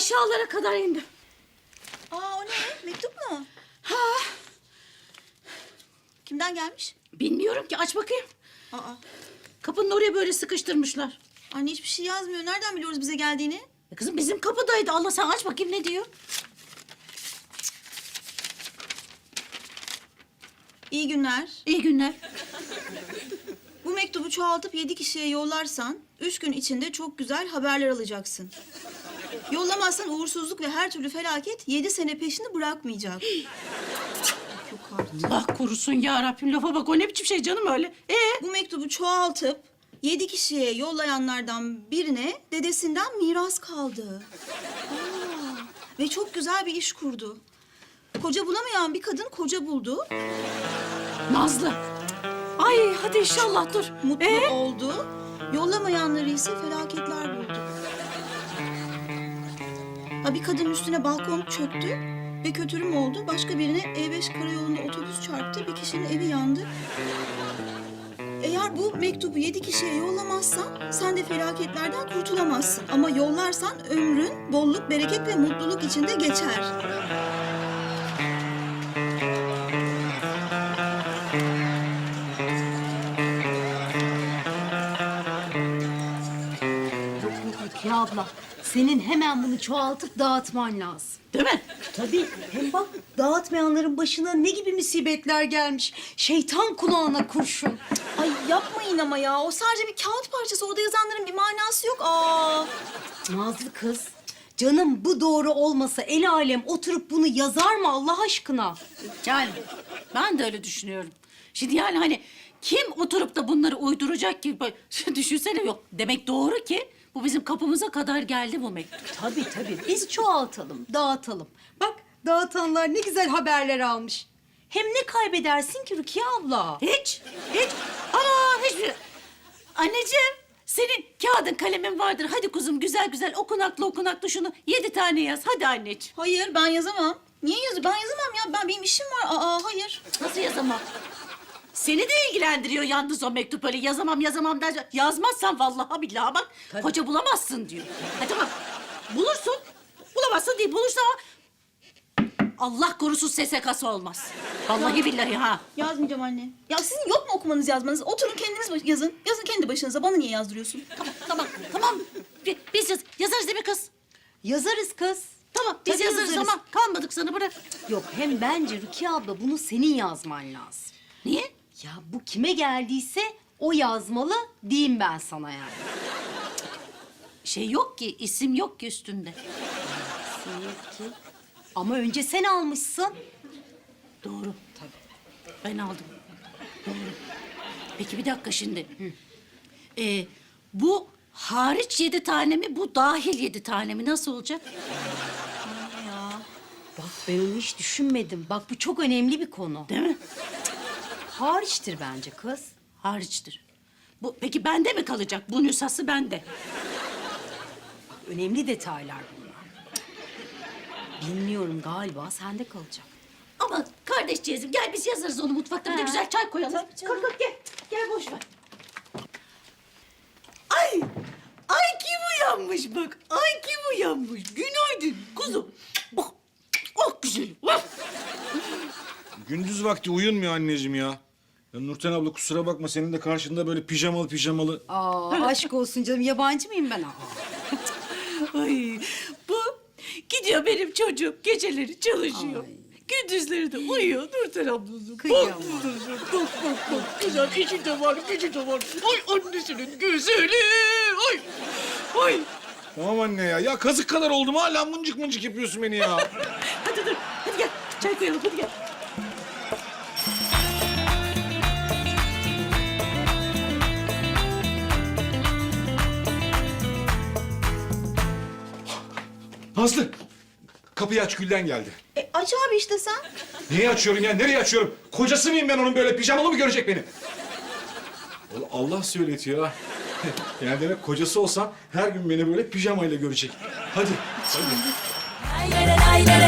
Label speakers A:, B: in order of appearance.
A: aşağılara kadar indim.
B: Aa, o ne? Mektup mu?
A: Ha,
B: Kimden gelmiş?
A: bilmiyorum ki, aç bakayım.
B: Aa,
A: Kapının oraya böyle sıkıştırmışlar.
B: anne hiçbir şey yazmıyor. Nereden biliyoruz bize geldiğini?
A: Kızım bizim kapıdaydı. Allah, sen aç bakayım ne diyor.
B: İyi günler.
A: İyi günler.
B: Bu mektubu çoğaltıp 7 kişiye yollarsan 3 gün içinde çok güzel haberler alacaksın. Yollamazsan uğursuzluk ve her türlü felaket 7 sene peşini bırakmayacak. Yok artık.
A: Allah korusun ya Rabbim, lafa bak, o ne biçim şey canım öyle.
B: Bu mektubu çoğaltıp 7 kişiye yollayanlardan birine dedesinden miras kaldı. Aa, ve çok güzel bir iş kurdu. Koca bulamayan bir kadın koca buldu.
A: Nazlı. Ay hadi inşallah, dur.
B: Mutlu oldu. Yollamayanları ise felaketler buldu. Ha, bir kadın üstüne balkon çöktü ve kötürüm oldu. Başka birine E5 karayolunda otobüs çarptı. Bir kişinin evi yandı. Eğer bu mektubu 7 kişiye yollamazsan sen de felaketlerden kurtulamazsın. Ama yollarsan ömrün bolluk, bereket ve mutluluk içinde geçer.
C: Rukiye abla, senin hemen bunu çoğaltıp dağıtman lazım.
A: Değil mi?
C: Tabii. Hem bak, dağıtmayanların başına ne gibi musibetler gelmiş. Şeytan kulağına kurşun.
B: Ay yapmayın ama ya. O sadece bir kağıt parçası. Orada yazanların bir manası yok. Aa.
C: Nazlı kız, canım bu doğru olmasa el alem oturup bunu yazar mı Allah aşkına?
A: Yani ben de öyle düşünüyorum. Şimdi yani hani kim oturup da bunları uyduracak ki? Düşünsene, yok. Demek doğru ki bu bizim kapımıza kadar geldi bu mektup.
C: Tabii tabii. Biz çoğaltalım, dağıtalım. Bak, dağıtanlar ne güzel haberler almış. Hem ne kaybedersin ki Rukiye abla?
A: Hiç. Ama hiçbir... Anneciğim, senin kağıdın kalemin vardır. Hadi kuzum, güzel güzel okunaklı şunu 7 tane yaz. Hadi anneciğim.
B: Hayır, ben yazamam. Niye yazayım? Ben yazamam ya. Benim işim var. Aa, hayır.
A: Nasıl yazamam? Seni de ilgilendiriyor yalnız o mektup, öyle yazamam der. Yazmazsan vallahi billahi bak, koca bulamazsın diyor. Ha tamam, bulursun. Bulamazsın değil, bulursun ama... Allah korusun SSK'sı olmaz. Vallahi billahi ha.
B: Yazmayacağım anne. Ya sizin yok mu okumanız, yazmanız? Oturun kendiniz yazın. Yazın kendi başınıza. Bana niye yazdırıyorsun?
A: Tamam. Biz yazarız değil mi kız?
C: Yazarız kız.
A: Tamam, biz
C: Tabii
A: yazarız ama kalmadık sana, bırak.
C: Yok, hem bence Rukiye abla bunu senin yazman lazım.
A: Niye?
C: Ya bu kime geldiyse o yazmalı diyeyim ben sana yani.
A: Şey yok ki, isim yok ki üstünde.
C: Ki. Ama önce sen almışsın.
A: Doğru. Tabii. Ben aldım. Doğru. Peki bir dakika şimdi. Bu hariç 7 tane mi, bu dahil 7 tane mi? Nasıl olacak?
C: Bak, ben onu hiç düşünmedim. Bak, bu çok önemli bir konu.
A: Değil mi?
C: Hariçtir bence kız.
A: Hariçtir. Bu, peki bende mi kalacak? Bu nüshası bende.
C: Önemli detaylar bunlar. Bilmiyorum, galiba sende kalacak.
A: Ama kardeşciğizim gel biz yazarız onu mutfakta. Bir de güzel çay koyalım.
B: Tabii canım.
A: Kalk gel. Gel boş ver. Ay kim uyanmış bak. Ay kim uyanmış. Günaydın kuzum. Oh, oh güzelim. Oh.
D: Gündüz vakti uyunmuyor anneciğim ya. Ya Nurten abla kusura bakma, senin de karşında böyle pijamalı.
C: Aa, aşk olsun canım, yabancı mıyım ben?
A: Ay bu gidiyor benim çocuğum, geceleri çalışıyor.
C: Ay.
A: Gündüzleri de uyuyor Nurten ablası.
C: Kıyamam.
A: Bak. Güzel işi de var, gücü de var. Ay annesinin güzeli. Ay.
D: Tamam anne ya. Ya kazık kadar oldum, hala mıncık yapıyorsun beni ya.
A: Hadi dur. Hadi gel. Çay koyalım. Hadi gel.
D: Nazlı, kapıyı aç, Gülden geldi.
B: Aç abi işte sen.
D: Niye açıyorum ya? Nereye açıyorum? Kocası mıyım ben onun, böyle pijamalı mı görecek beni? Allah söyletiyor ha. Yani demek kocası olsam her gün beni böyle pijamayla görecek. Hadi.
E: Lay lay lay lay